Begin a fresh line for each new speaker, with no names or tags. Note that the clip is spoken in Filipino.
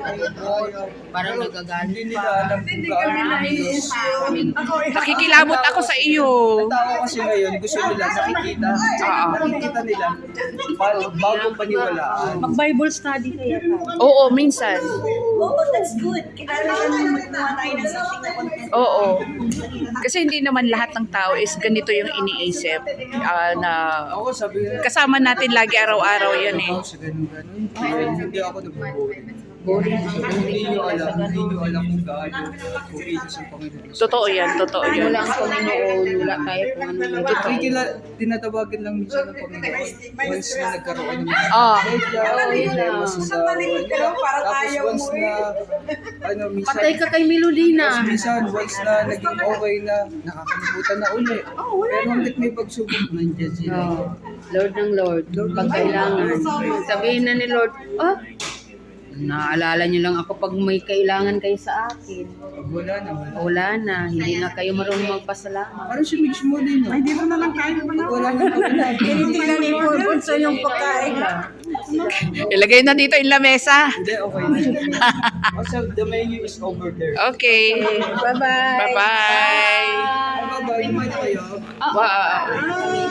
Parang nagagalit
Hindi nila alam kung gaano kilos.
Nakikilabot ako sa iyo.
Ang tao kasi ngayon, gusto nila nakikita. Nakikita nila bago paniwalaan.
Mag-Bible study kaya tayo.
Oo, minsan.
Oh, that's good. Kailangan magkuha tayo ng something na content.
Oo. Kasi hindi naman lahat ng tao is ganito yung iniisip. Na
Ako sabi nila,
kasama natin lagi araw-araw yan eh.
ako sa ganun-ganun. Hindi ako nag-boring. Hindi nyo alam kung gaano kung kilos ang Panginoon.
Totoo yan, totoo yan.
Wala ang Panginoon, wala tayo kung ano meron.
Tinatawagan lang minsan ng Panginoon once na nagkaroon ng problema sa tapos once na minsan
Patay ka kay Melodina.
minsan once na naging okay na nakakalimutan na uli. Pero hanggat may pagsubok nandiyan sila.
Oh, Lord ng Lord, pag kailangan. Sabihin na ni Lord, naalala niyo lang ako pag may kailangan kayo sa akin.
Pag wala na,
Wala na, hindi na kayo marunong magpasalamat.
parang si Mix mo din, no? Ay, dito na lang tayo. Pag wala na pagkain.
Hindi lang i-purpose sa yung pagkain.
Ilagay na dito yung lamesa.
Hindi, okay na. Also, the menu is over there.
Okay.
Bye-bye.
Bye-bye.
Bye-bye. Kumain na kayo.
Wow.